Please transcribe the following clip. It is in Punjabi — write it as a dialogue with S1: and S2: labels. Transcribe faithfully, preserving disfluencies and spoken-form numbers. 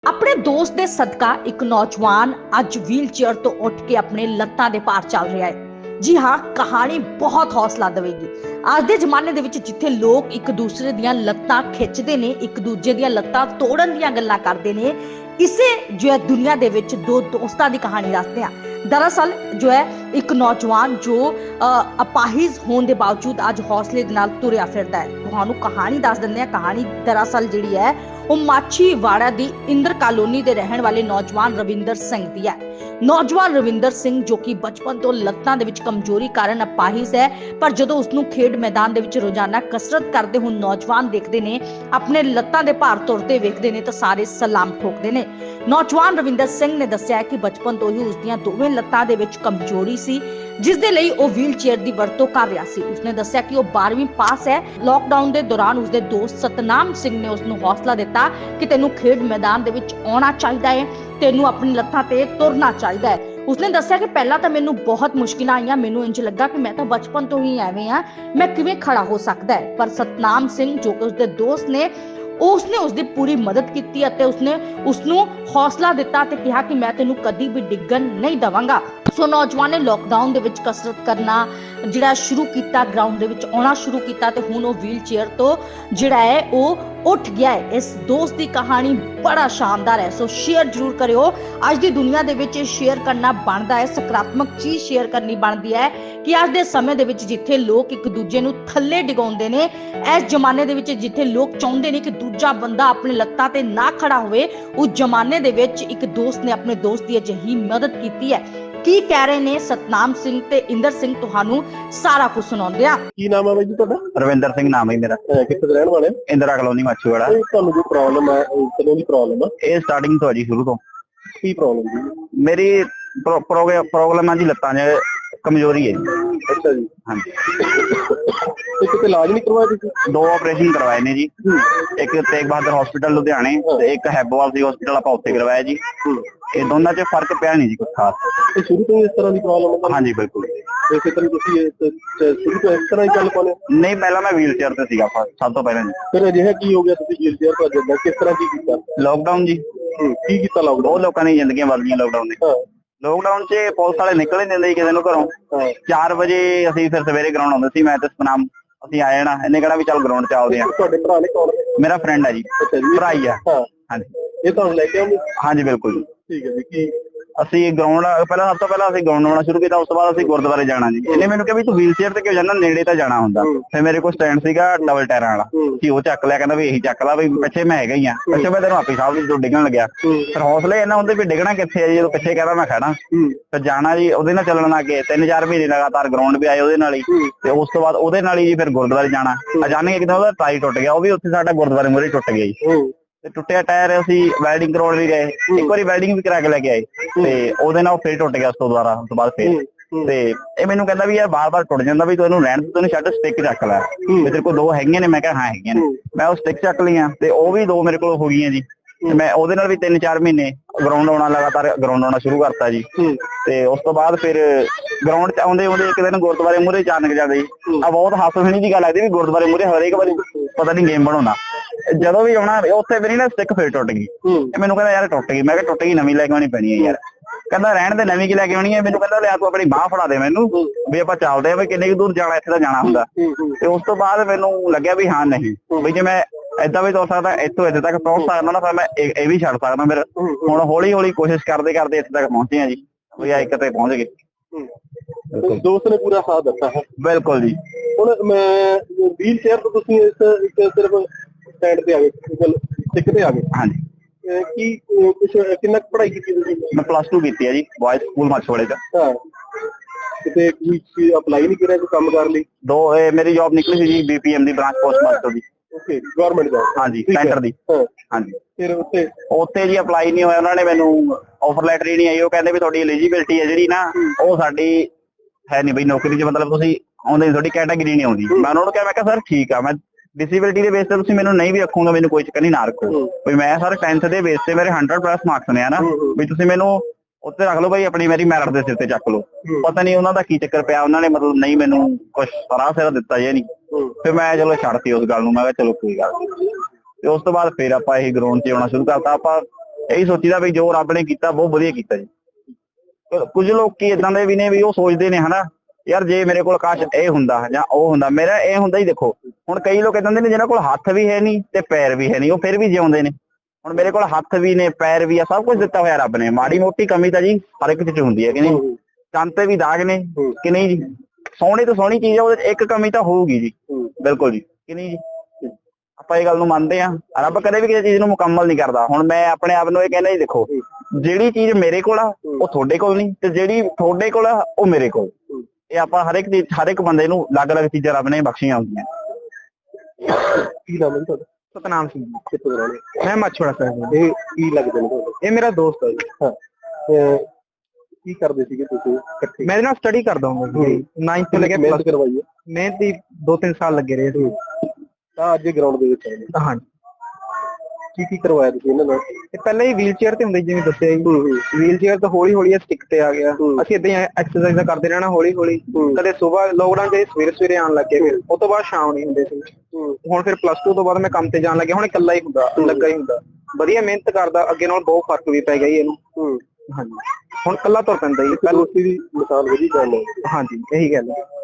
S1: ਆਪਣੇ ਦੋਸਤ ਦੇ ਸਦਕਾ ਇੱਕ ਨੌਜਵਾਨ ਅੱਜ ਵੀਲ ਚੇਅਰ ਤੋਂ ਉੱਠ ਕੇ ਆਪਣੇ ਲੱਤਾਂ ਦੇ ਭਾਰ ਚੱਲ ਰਿਹਾ ਹੈ। ਜੀ ਹਾਂ, ਕਹਾਣੀ ਬਹੁਤ ਹੌਸਲਾ ਦੇਵੇਗੀ। ਅੱਜ ਦੇ ਜ਼ਮਾਨੇ ਦੇ ਵਿੱਚ ਜਿੱਥੇ ਲੋਕ ਇੱਕ ਦੂਸਰੇ ਦੀਆਂ ਲੱਤਾਂ ਖਿੱਚਦੇ ਨੇ, ਇੱਕ ਦੂਜੇ ਦੀਆਂ ਲੱਤਾਂ ਤੋੜਨ ਦੀਆਂ ਗੱਲਾਂ ਕਰਦੇ ਨੇ, ਇਸੇ ਜੋ ਹੈ ਦੁਨੀਆ ਦੇ ਵਿੱਚ ਦੋ ਦੋਸਤਾਂ ਦੀ ਕਹਾਣੀ ਦੱਸਦੇ ਹਾਂ। दरअसल जो है एक नौजवान जो अपाहिज होने के बावजूद अज हौसले के नाल तुरिया फिरदा है। तुहानू कहानी दस दिंदे आ। कहानी दरअसल जिहड़ी है वो माछीवाड़ा दी इंद्र कॉलोनी दे रहण वाले नौजवान रविंदर सिंह दी है। नौजवान रविंदर सिंह जो कि बचपन तो लत्तां दे विच कमजोरी कारण अपाहिज है, पर जदों उसनू खेड मैदान दे विच रोजाना कसरत करदे हुए नौजवान देखदे ने, अपने लत्तां दे भार तुरदे वेखदे ने तां सारे सलाम ठोकदे ने। नौजवान रविंदर सिंह ने दस्सिया कि बचपन तो ही उसदियां दोवें ਲੱਤਾਂ ਦੇ ਵਿੱਚ ਕਮਜ਼ੋਰੀ ਸੀ, ਜਿਸ ਦੇ ਲਈ ਉਹ ਵੀਲ ਚੇਅਰ ਦੀ ਵਰਤੋਂ ਕਰ ਰਿਹਾ ਸੀ। ਉਸਨੇ ਦੱਸਿਆ ਕਿ ਉਹ ਬਾਰ੍ਹਵੀਂ ਪਾਸ ਹੈ। ਲਾਕਡਾਊਨ ਦੇ ਦੌਰਾਨ ਉਸਦੇ ਦੋਸਤ ਸਤਨਾਮ ਸਿੰਘ ਨੇ ਉਸਨੂੰ ਹੌਸਲਾ ਦਿੱਤਾ ਕਿ ਤੈਨੂੰ ਖੇਡ ਮੈਦਾਨ ਦੇ ਵਿੱਚ ਆਉਣਾ ਚਾਹੀਦਾ ਹੈ, ਤੈਨੂੰ ਆਪਣੀ ਲੱਤਾਂ ਤੇ ਤੁਰਨਾ ਚਾਹੀਦਾ ਹੈ। ਉਸਨੇ ਦੱਸਿਆ ਕਿ ਪਹਿਲਾਂ ਤਾਂ ਮੈਨੂੰ ਬਹੁਤ ਮੁਸ਼ਕਿਲਾਂ ਆਈਆਂ, ਮੈਨੂੰ ਇੰਜ ਲੱਗਾ ਕਿ ਮੈਂ ਤਾਂ ਬਚਪਨ ਤੋਂ ਹੀ ਐਵੇਂ ਆ, ਮੈਂ ਕਿਵੇਂ ਖੜਾ ਹੋ ਸਕਦਾ ਹੈ। ਪਰ ਸਤਨਾਮ ਸਿੰਘ ਜੋ ਕਿ ਉਸਦੇ ਦੋਸਤ ਨੇ, उसने उसकी पूरी मदद की, उसने उसनू हौसला दिता ते कहा कि मैं तेनू कदी भी डिगन नहीं देवांगा। सो नौजवान ने लॉकडाउन दे विच कसरत करना जिहड़ा शुरू किया, ग्राउंड दे विच आउणा शुरू किया ते हुण वो व्हील चेयर तो जिहड़ा है वो उठ गया है। इस दोस्त की कहानी बड़ा शानदार है, सो शेयर जरूर करियो। अज दी दुनिया दे विच शेयर करना बनदा है, सकारात्मक चीज शेयर करनी बनदी है कि अज दे समय दे विच जिथे लोग एक दूजे नू थल्ले डिगाउंदे ने, इस जमाने दे विच जिथे लोग चाहुंदे ने कि दूजा बंदा अपने लत्तां ते ना खड़ा होवे, उस जमाने दे विच एक दोस्त ने अपने दोस्त दी अजिही मदद कीती है। की कह रहे ने सतनाम सिंह ते इंदर सिंह, तुहानू सारा कुछ सुणाउंदे आ।
S2: की नाम है जी तुहाडा?
S3: रविंदर सिंह नाम है मेरा।
S2: कित्थे दे रहण वाले?
S3: इंदिरा कॉलोनी माछीवाड़ा।
S2: तुहानू कोई प्रॉब्लम है? कदों दी प्रॉब्लम है?
S3: ये स्टार्टिंग तो है जी, शुरू तो।
S2: की प्रॉब्लम जी?
S3: मेरी प्रॉब्लम है जी लत्तां च कमजोरी है जी।
S2: अच्छा जी।
S3: हाँ जी।
S2: ते किते इलाज नहीं करवाया तुसीं?
S3: दो ऑपरेशन करवाए ने जी, एक तेग बहादुर हॉस्पिटल लुधियाने ते एक हैबोवाल सी हॉस्पिटल आपां उत्थे करवाया जी। ये दोनों च फर्क पिया नहीं जी कुछ खास।
S2: ते शुरू तो इस तरह की प्रॉब्लम है?
S3: हाँ जी बिल्कुल।
S2: इस तरह तुसीं शुरू तो इस तरह ही चल पाने?
S3: नहीं, पहला मैं व्हील चेयर ते सीगा सब तो पहले।
S2: फिर अजिहा की हो गया तुसीं व्हील चेयर पर जदा किस तरह की कीता?
S3: लॉकडाउन जी।
S2: की कीता लॉकडाउन?
S3: बहुत लोगों दी जिंदगियां बदल गईयां लॉकडाउन ने। लॉकडाउन च पुलिस वाले निकल नहीं दिंदे किसी नूं घरों। चार बजे असीं फिर सवेरे ग्राउंड आउंदे सी, मैं ते सतनाम ਅਸੀਂ ਆ ਜਾਣਾ। ਇਹਨੇ ਕਿਹੜਾ ਵੀ ਚੱਲ ਗਰਾਊਂਡ ਚ ਆਉਦੇ ਆ।
S2: ਤੁਹਾਡੇ ਭਰਾ ਨੇ ਕੌਣ?
S3: ਮੇਰਾ ਫਰੈਂਡ ਹੈ ਜੀ।
S2: ਅੱਛਾ ਜੀ,
S3: ਭਰਾ ਹੀ ਆ।
S2: ਹਾਂ
S3: ਹਾਂਜੀ।
S2: ਇਹ ਤੁਹਾਨੂੰ ਲੈ ਕੇ ਆਉਂਦੇ?
S3: ਹਾਂਜੀ ਬਿਲਕੁਲ।
S2: ਠੀਕ ਹੈ ਜੀ। ਕੀ
S3: ਅਸੀਂ ਗਰਾਊਂਡ ਪਹਿਲਾਂ ਸਭ ਤੋਂ ਪਹਿਲਾਂ ਅਸੀਂ ਗਰਾਊਂਡ ਆਉਣਾ ਸ਼ੁਰੂ ਕੀਤਾ, ਉਸ ਤੋਂ ਬਾਅਦ ਅਸੀਂ ਗੁਰਦੁਆਰੇ ਜਾਣਾ ਜੀ। ਇਹਨੇ ਮੈਨੂੰ ਕਿਹਾ ਵੀ ਤੂੰ ਵੀਲ ਚੇਅਰ ਤੇ ਕਿਉਂ ਜਾਂਦਾ, ਨੇੜੇ ਤਾਂ ਜਾਣਾ ਹੁੰਦਾ। ਫਿਰ ਮੇਰੇ ਕੋਲ ਸਟੈਂਡ ਸੀਗਾ ਡਬਲ ਟਾਇਰਾਂ ਵਾਲਾ, ਕਿ ਉਹ ਚੱਕ ਲਿਆ, ਕਹਿੰਦਾ ਵੀ ਇਹੀ ਚੱਕ ਲਾ, ਵੀ ਪਿੱਛੇ ਮੈਂ ਹੈਗਾ ਹੀ ਆ। ਪਿੱਛੇ ਮੈਂ ਤੈਨੂੰ ਆਪੇ ਸਾਹਿਬ ਤੋਂ ਡਿੱਗਣ ਲੱਗਿਆ। ਫਿਰ ਹੌਸਲੇ ਇਹਨਾਂ ਹੁੰਦੇ ਵੀ ਡਿੱਗਣਾ ਕਿੱਥੇ ਆ ਜੀ, ਜਦੋਂ ਪਿੱਛੇ ਕਹਿੰਦਾ ਮੈਂ ਖੜਾ। ਫਿਰ ਜਾਣਾ ਜੀ, ਉਹਦੇ ਨਾਲ ਚੱਲਣ ਲੱਗੇ ਤਿੰਨ ਚਾਰ ਮਹੀਨੇ ਲਗਾਤਾਰ ਗਰਾਊਂਡ ਵੀ ਆਏ ਉਹਦੇ ਨਾਲ ਹੀ। ਤੇ ਉਸ ਤੋਂ ਬਾਅਦ ਉਹਦੇ ਨਾਲ ਹੀ ਜੀ ਫਿਰ ਗੁਰਦੁਆਰੇ ਜਾਣਾ। ਅਚਾਨਕ ਇੱਕ ਦਿਨ ਉਹਦਾ ਟਾਈ ਟੁੱਟ ਗਿਆ, ਉਹ ਵੀ ਉੱਥੇ ਸਾਡਾ ਗੁਰਦੁਆਰੇ ਮੂਹਰੇ ਟੁੱਟ ਗਿਆ ਜੀ। ਤੇ ਟੁੱਟਿਆ ਟਾਇਰ ਅਸੀਂ ਵੈਲਡਿੰਗ ਕਰਾਉਣ ਵੀ ਗਏ, ਇੱਕ ਵਾਰੀ ਵੈਲਡਿੰਗ ਵੀ ਕਰਾ ਕੇ ਲੈ ਕੇ ਆਏ, ਤੇ ਉਹਦੇ ਨਾਲ ਫੇਰ ਟੁੱਟ ਗਿਆ। ਉਸ ਤੋਂ ਦੁਬਾਰਾ ਉਸ ਤੋਂ ਬਾਅਦ ਫੇਰ ਤੇ ਇਹ ਮੈਨੂੰ ਕਹਿੰਦਾ ਵੀ ਯਾਰ ਬਾਰ ਬਾਰ ਟੁੱਟ ਜਾਂਦਾ, ਵੀ ਤੂੰ ਇਹਨੂੰ ਰਹਿਣ ਦੇ, ਤੈਨੂੰ ਛੱਡ ਸਟਿੱਕ ਚੱਕ ਲੈ, ਵੀ ਤੇਰੇ ਕੋਲ ਦੋ ਹੈਗੀਆਂ ਨੇ। ਮੈਂ ਕਿਹਾ ਹਾਂ ਹੈਗੀਆਂ ਨੇ। ਮੈਂ ਉਹ ਸਟਿੱਕ ਚੱਕ ਲਈਆਂ ਤੇ ਉਹ ਵੀ ਦੋ ਮੇਰੇ ਕੋਲ ਹੋ ਗਈਆਂ ਜੀ। ਤੇ ਮੈਂ ਉਹਦੇ ਨਾਲ ਵੀ ਤਿੰਨ ਚਾਰ ਮਹੀਨੇ ਗਰਾਊਂਡ ਆਉਣਾ, ਲਗਾਤਾਰ ਗਰਾਊਂਡ ਆਉਣਾ ਸ਼ੁਰੂ ਕਰਤਾ ਜੀ। ਤੇ ਉਸ ਤੋਂ ਬਾਅਦ ਫਿਰ ਗਰਾਊਂਡ ਚ ਆਉਂਦੇ ਆਉਂਦੇ ਇੱਕ ਦਿਨ ਗੁਰਦੁਆਰੇ ਮੂਹਰੇ ਅਚਾਨਕ ਜਾਂਦੇ ਜੀ। ਆ ਬਹੁਤ ਹਾਸੋਹੀਣੀ ਦੀ ਗੱਲ ਲੱਗਦੀ ਵੀ ਗੁਰਦੁਆਰੇ ਮੂਹਰੇ ਹਰੇਕ ਵਾਰੀ ਪਤਾ ਨਹੀਂ ਗੇਮ ਬਣਾਉਂਦਾ। ਜਦੋਂ ਵੀ ਆਉਣਾ ਉੱਥੇ ਮੇਰੀ ਨਾ ਸਟਿੱਕ ਫੇਰ ਟੁੱਟ ਗਈ। ਮੈਨੂੰ ਕਹਿੰਦਾ ਯਾਰ ਟੁੱਟ ਗਈ। ਮੈਂ ਕਿਹਾ ਟੁੱਟ ਗਈ, ਨਵੀਂ ਲੈ ਕੇ ਆਉਣੀ ਪੈਣੀ ਹੈ ਯਾਰ। ਕਹਿੰਦਾ ਰਹਿਣ ਦੇ, ਨਵੀਂ ਕੀ ਲੈ ਕੇ ਆਉਣੀ ਹੈ। ਮੈਨੂੰ ਕਹਿੰਦਾ ਲਿਆ ਤੂੰ ਆਪਣੀ ਬਾਂਹ ਫੜਾ ਦੇ ਮੈਨੂੰ, ਵੀ ਆਪਾਂ ਚੱਲਦੇ ਆ, ਵੀ ਕਿੰਨੇ ਕੁ ਦੂਰ ਜਾਣਾ, ਇੱਥੇ ਤਾਂ ਜਾਣਾ ਹੁੰਦਾ। ਤੇ ਉਸ ਤੋਂ ਬਾਅਦ ਮੈਨੂੰ ਲੱਗਿਆ ਵੀ ਹਾਂ ਨਹੀਂ, ਵੀ ਜੇ ਮੈਂ ਏਦਾਂ ਵੀ ਤੁਰ ਸਕਦਾ, ਇੱਥੋਂ ਇੱਥੇ ਤੱਕ ਪਹੁੰਚ ਸਕਦਾ ਨਾ, ਫਿਰ ਮੈਂ ਇਹ ਵੀ ਛੱਡ ਸਕਦਾ। ਫਿਰ ਹੁਣ ਹੌਲੀ ਹੌਲੀ ਕੋਸ਼ਿਸ਼ ਕਰਦੇ ਕਰਦੇ ਇੱਥੇ ਤੱਕ ਪਹੁੰਚੇ ਆ ਜੀ, ਵੀ ਆ ਇੱਕ ਤੇ ਪਹੁੰਚ ਗਏ।
S2: ਦੋਸਤ ਨੇ ਪੂਰਾ ਸਾਥ ਦਿੱਤਾ ਹੈ? ਬਿਲਕੁਲ ਜੀ। ਹੁਣ ਮੈਂ ਵੀਲ ਚੇਅਰ ਤੋਂ ਤੁਸੀਂ ਇਸ ਇੱਕ ਸਿਰਫ ਸਟੈਂਡ ਤੇ ਆ ਗਏ, ਸਟਿੱਕ ਤੇ ਆ ਗਏ? ਹਾਂਜੀ। ਕੀ ਕੁਛ ਕਿੰਨਾ ਪੜ੍ਹਾਈ ਕੀਤੀ ਤੁਸੀਂ?
S3: ਮੈਂ ਪਲੱਸ ਟੂ ਕੀਤੀ ਹੈ ਜੀ, ਬॉयਜ਼ ਸਕੂਲ ਮਾਛੀਵਾੜੇ ਦਾ।
S2: ਹਾਂ। ਕਿਤੇ ਕੋਈ ਅਪਲਾਈ ਨਹੀਂ ਕਰਿਆ ਕੋਈ ਕੰਮ ਕਰ ਲਈ? ਦੋ
S3: ਮੇਰੀ ਜੌਬ ਨਿਕਲੀ ਸੀ ਜੀ, ਬੀਪੀਐਮ ਦੀ ਬ੍ਰਾਂਚ ਪੋਸਟ ਮਾਸਟਰ ਦੀ।
S2: Okay, government job? ਹਾਂਜੀ,
S3: ਸੈਂਟਰ ਦੀ। ਹਾਂਜੀ।
S2: ਫਿਰ ਉੱਥੇ
S3: ਉੱਥੇ ਜੀ ਅਪਲਾਈ ਨਹੀਂ ਹੋਇਆ, ਉਹਨਾਂ ਨੇ ਮੈਨੂੰ ਆਫਰ ਲੈਟਰ ਹੀ ਨਹੀਂ ਆਈ। ਉਹ ਕਹਿੰਦੇ ਵੀ ਤੁਹਾਡੀ ਐਲੀਜੀਬਿਲਟੀ ਹੈ ਜਿਹੜੀ ਨਾ, ਉਹ ਸਾਡੀ ਹੈ ਨਹੀਂ ਬਈ ਨੌਕਰੀ ਚ, ਮਤਲਬ ਤੁਸੀਂ ਆਉਂਦੇ, ਤੁਹਾਡੀ ਕੈਟਾਗਰੀ ਨਹੀਂ ਆਉਂਦੀ। ਮੈਂ ਉਹਨਾਂ ਨੂੰ ਕਿਹਾ, ਮੈਂ ਕਿਹਾ ਸਰ ਠੀਕ ਆ, ਮੈਂ ਡਿਸੇਬਿਲਿਟੀ ਦੇ ਬੇਸ ਤੇ ਤੁਸੀਂ ਮੈਨੂੰ ਨਹੀਂ ਵੀ ਰੱਖੋਗੇ, ਮੈਨੂੰ ਕੋਈ ਚੱਕਰ ਨਹੀਂ, ਨਾ ਰੱਖੋ। ਵੀ ਮੈਂ ਸਰ ਟੈਂਥ ਦੇ ਬੇਸ ਤੇ ਮੇਰੇ ਹੰਡਰਡ ਪਲੱਸ ਮਾਰਕਸ ਨੇ ਨਾ, ਵੀ ਤੁਸੀਂ ਮੈਨੂੰ ਉੱਥੇ ਰੱਖ ਲਓ ਬਾਈ, ਆਪਣੀ ਮੇਰੀ ਮੈਰਿਟ ਦੇ ਸਿਰ ਤੇ ਚੱਕ ਲਓ। ਪਤਾ ਨਹੀਂ ਉਹਨਾਂ ਦਾ ਕੀ ਚੱਕਰ ਪਿਆ, ਉਹਨਾਂ ਨੇ ਮਤਲਬ ਨਹੀਂ ਮੈਨੂੰ ਕੁਛ ਸਰਾਹ ਸਿਰ ਦਿੱਤਾ ਜੇ ਨਹੀਂ। ਫਿਰ ਮੈਂ ਚਲੋ ਛੱਡਤੀ ਉਸ ਗੱਲ ਨੂੰ, ਮੈਂ ਕਿਹਾ ਚਲੋ ਕੋਈ ਗੱਲ ਨਹੀਂ। ਤੇ ਉਸ ਤੋਂ ਬਾਅਦ ਫਿਰ ਆਪਾਂ ਇਹ ਗਰਾਊਂਡ 'ਚ ਆਉਣਾ ਸ਼ੁਰੂ ਕਰਤਾ। ਆਪਾਂ ਇਹੀ ਸੋਚੀਦਾ ਵੀ ਜੋ ਰੱਬ ਨੇ ਕੀਤਾ ਬਹੁਤ ਵਧੀਆ ਕੀਤਾ ਜੀ। ਕੁਝ ਲੋਕੀ ਇਦਾਂ ਦੇ ਵੀ ਨੇ ਵੀ ਉਹ ਸੋਚਦੇ ਨੇ ਹਨਾ ਯਾਰ ਜੇ ਮੇਰੇ ਕੋਲ ਕਾਸ਼ ਇਹ ਹੁੰਦਾ ਜਾਂ ਉਹ ਹੁੰਦਾ, ਮੇਰਾ ਇਹ ਹੁੰਦਾ ਹੀ ਦੇਖੋ ਹੁਣ ਕਈ ਲੋਕ ਇਦਾਂ ਦੇ ਨੇ ਜਿਹਨਾਂ ਕੋਲ ਹੱਥ ਵੀ ਹੈ ਨਹੀਂ ਤੇ ਪੈਰ ਵੀ ਹੈ ਨਹੀਂ, ਉਹ ਫਿਰ ਵੀ ਜਿਉਂਦੇ ਨੇ। ਹੁਣ ਮੇਰੇ ਕੋਲ ਹੱਥ ਵੀ ਨੇ, ਪੈਰ ਵੀ ਆ, ਸਭ ਕੁਝ ਦਿੱਤਾ ਹੋਇਆ ਰੱਬ ਨੇ। ਮਾੜੀ ਮੋਟੀ ਕਮੀ ਤਾਂ ਜੀ ਹਰ ਇੱਕ ਚ ਹੁੰਦੀ ਹੈ ਕਿ ਨਹੀਂ, ਚੰਦ ਤੇ ਵੀ ਦਾਗ ਨੇ ਕਿ ਨਹੀਂ ਜੀ। ਸੋਹਣੀ ਤੋਂ ਸੋਹਣੀ ਚੀਜ਼ ਆ, ਉਹਦੇ ਇੱਕ ਕਮੀ ਤਾਂ ਹੋਊਗੀ ਜੀ, ਬਿਲਕੁਲ ਜੀ ਕਿ ਨਹੀਂ ਜੀ। ਆਪਾਂ ਇਹ ਗੱਲ ਨੂੰ ਮੰਨਦੇ ਹਾਂ, ਰੱਬ ਕਦੇ ਵੀ ਕਿਸੇ ਚੀਜ਼ ਨੂੰ ਮੁਕੰਮਲ ਨਹੀਂ ਕਰਦਾ। ਹੁਣ ਮੈਂ ਆਪਣੇ ਆਪ ਨੂੰ ਇਹ ਕਹਿੰਦਾ ਜੀ ਦੇਖੋ ਜਿਹੜੀ ਚੀਜ਼ ਮੇਰੇ ਕੋਲ ਆ ਉਹ ਤੁਹਾਡੇ ਕੋਲ ਨਹੀਂ, ਤੇ ਜਿਹੜੀ ਤੁਹਾਡੇ ਕੋਲ ਆ ਉਹ ਮੇਰੇ ਕੋਲ। ਇਹ ਆਪਾਂ ਹਰ ਇੱਕ ਚੀਜ਼ ਹਰ ਇੱਕ ਬੰਦੇ ਨੂੰ ਅਲੱਗ ਅਲੱਗ ਚੀਜ਼ਾਂ ਰੱਬ ਨੇ ਬਖਸ਼ੀਆਂ ਹੁੰਦੀਆਂ।
S2: ਕੀ ਨਾਮ ਹੈ ਤੁਹਾਡਾ?
S4: ਸਤਨਾਮ ਸਿੰਘ।
S2: ਕਿੱਥੋਂ ਰਹਿੰਦੇ?
S4: ਮੈਂ ਮਾਛੋੜਾ ਸਾਹਿਬ।
S2: ਇਹ ਕੀ ਲੱਗਦੇ ਨੇ ਤੁਹਾਨੂੰ?
S4: ਇਹ ਮੇਰਾ ਦੋਸਤ ਹੈ ਜੀ।
S2: ਹਾਂ, ਕੀ ਕਰਦੇ ਸੀਗੇ ਤੁਸੀਂ ਇਕੱਠੇ?
S4: ਮੈਂ ਇਹਦੇ ਨਾਲ ਸਟੱਡੀ ਕਰਦਾ ਹੁੰਦਾ ਜੀ, ਨਾਈਨਥ ਤੋਂ ਲੈ ਕੇ
S2: ਮਿਹਨਤ ਕਰਵਾਈ ਹੈ?
S4: ਮਿਹਨਤ ਦੀ ਦੋ ਤਿੰਨ ਸਾਲ ਲੱਗੇ ਰਹੇ ਸੀ।
S2: ਤਾਂ ਅੱਜ ਗਰਾਊਂਡ ਦੇ ਵਿੱਚ ਆਏ?
S4: ਹਾਂਜੀ।
S2: ਕੀ ਕੀ ਕਰਵਾਇਆ ਤੁਸੀਂ ਇਹਨਾਂ ਨਾਲ?
S4: ਇਹ ਪਹਿਲਾਂ ਹੀ ਵੀਲ ਚੇਅਰ ਤੇ ਹੁੰਦੇ ਜਿਵੇਂ ਦੱਸਿਆ ਜੀ, ਵੀਲ ਚੇਅਰ ਤੋਂ ਹੌਲੀ ਹੌਲੀ ਸਟਿਕ ਤੇ ਆ ਗਿਆ। ਅਸੀਂ ਏਦਾਂ ਹੀ ਐਕਸਰਸਾਈਜ਼ ਕਰਦੇ ਰਹਿਣਾ ਹੌਲੀ ਹੌਲੀ। ਕਦੇ ਸਵੇਰ ਲੋਕਡਾਊਨ ਚ ਸਵੇਰੇ ਸਵੇਰੇ ਆਉਣ ਲੱਗੇ, ਫਿਰ ਉਸ ਤੋਂ ਬਾਅਦ ਸ਼ਾਮ ਨਹੀਂ ਹੁੰਦੇ ਸੀ। ਹੁਣ ਫਿਰ ਪਲੱਸ ਟੂ ਤੋਂ ਬਾਅਦ ਮੈਂ ਕੰਮ ਤੇ ਜਾਣ ਲੱਗਿਆ, ਹੁਣ ਇਕੱਲਾ ਹੀ ਹੁੰਦਾ ਲੱਗਾ ਹੀ ਹੁੰਦਾ। ਵਧੀਆ ਮਿਹਨਤ ਕਰਦਾ, ਅੱਗੇ ਨਾਲ ਬਹੁਤ ਫਰਕ ਵੀ ਪੈ ਗਿਆ ਜੀ ਇਹਨੂੰ। ਹਾਂਜੀ, ਹੁਣ ਇਕੱਲਾ ਤੁਰ ਪੈਂਦਾ ਜੀ।
S2: ਦੋਸਤੀ ਦੀ ਮਿਸਾਲ ਵਧੀਆ ਗੱਲ ਹੈ।
S4: ਹਾਂਜੀ, ਇਹੀ ਗੱਲ ਹੈ।